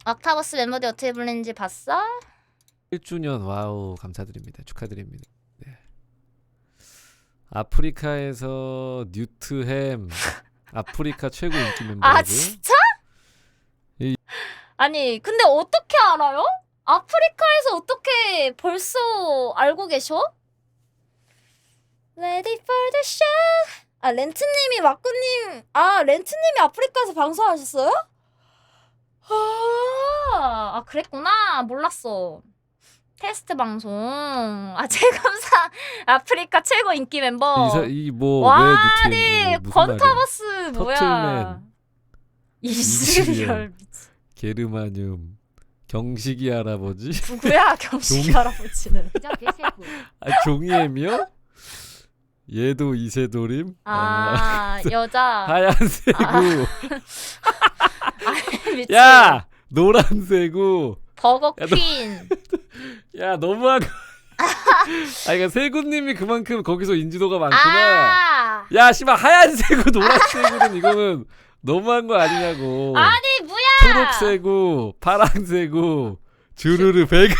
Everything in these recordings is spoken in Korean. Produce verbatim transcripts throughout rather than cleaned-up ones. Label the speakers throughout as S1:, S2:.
S1: 옥타버스 멤버들이 어떻게 불리는지 봤어?
S2: 일 주년 와우 감사드립니다. 축하드립니다. 네. 아프리카에서 뉴트햄 아프리카 최고 인기 멤버라고요?
S1: 아 진짜?
S2: 이...
S1: 아니 근데 어떻게 알아요? 아프리카에서 어떻게 벌써 알고 계셔? Ready for the show. 아 렌트님이 마꾸님 아 렌트님이 아프리카에서 방송하셨어요? 아, 아 그랬구나. 몰랐어. 테스트 방송. 아 최감사 아프리카 최고 인기 멤버.
S2: 이뭐
S1: 와,
S2: 왜 뉴트햄
S1: 아니 권타버스 뭐야?
S2: 터틀맨
S1: 이스리얼
S2: 게르마늄 경식이 할아버지
S1: 누구야 경식
S2: 종...
S1: 할아버지는?
S2: 아 종이엠이요? 얘도 이세돌임?
S1: 아,
S2: 아
S1: 여자
S2: 하얀색우
S1: 아,
S2: 야 노란색우
S1: 버거 퀸.
S2: 야 너무하고 아 그러니까 세구님이 그만큼 거기서 인지도가 많구나.
S1: 아
S2: 야 씨발 하얀색우 노란색우는 이거는 너무한 거 아니냐고.
S1: 아니 뭐야?
S2: 초록색우 파란색우 주르르 배그.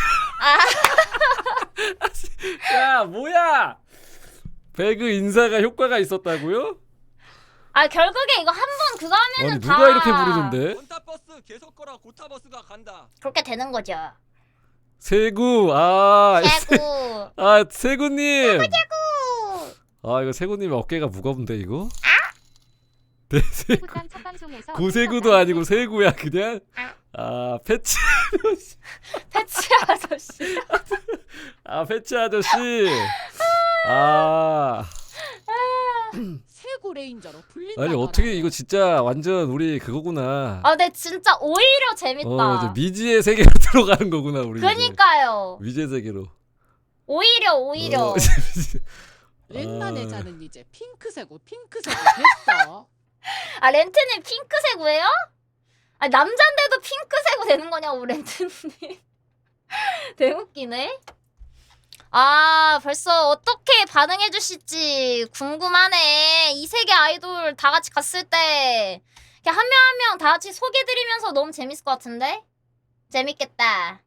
S1: 아.
S2: 야 뭐야? 배그 인사가 효과가 있었다고요?
S1: 아 결국에 이거 한 번 그거 하면은
S2: 아니
S1: 다
S2: 누가 이렇게 부르는데?
S3: 권타버스 계속 거라 고타버스가 간다.
S1: 그렇게 되는 거죠.
S2: 세구 아
S1: 세구.
S2: 아 세구님.
S1: 세구 세구.
S2: 아 이거 세구님 어깨가 무겁은데 이거?
S1: 아?
S2: 네 세구. 구세구도 아니고 세구야 그냥? 아 패치 아저씨.
S1: 패치 아저씨.
S2: 아 패치 아저씨. 아.
S3: 세구 레인저로 불린다.
S2: 아니 어떻게 이거 진짜 완전 우리 그거구나.
S1: 아 근데 진짜 오히려 재밌다.
S2: 어 이제 미지의 세계로 들어가는 거구나 우리.
S1: 그니까요.
S2: 미지의 세계로.
S1: 오히려 오히려.
S2: 어,
S3: 렌나
S2: 아.
S3: 내자는 이제 핑크색으로 핑크색으로 됐어.
S1: 아 렌트님 핑크색우예요? 아 남잔데도 핑크색우 되는 거냐고 렌트님. 되게 웃기네. 아 벌써 어떻게 반응해 주실지 궁금하네. 이 세계 아이돌 다 같이 갔을 때 그냥 한 명 한 명 다 같이 소개드리면서 너무 재밌을 것 같은데? 재밌겠다.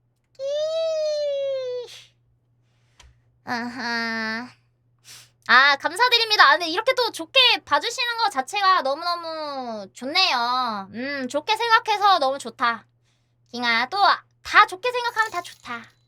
S1: 아하. 아 감사드립니다. 아, 근데 이렇게 또 좋게 봐주시는 것 자체가 너무너무 좋네요. 음 좋게 생각해서 너무 좋다. 킹아 또 다 좋게 생각하면 다 좋다.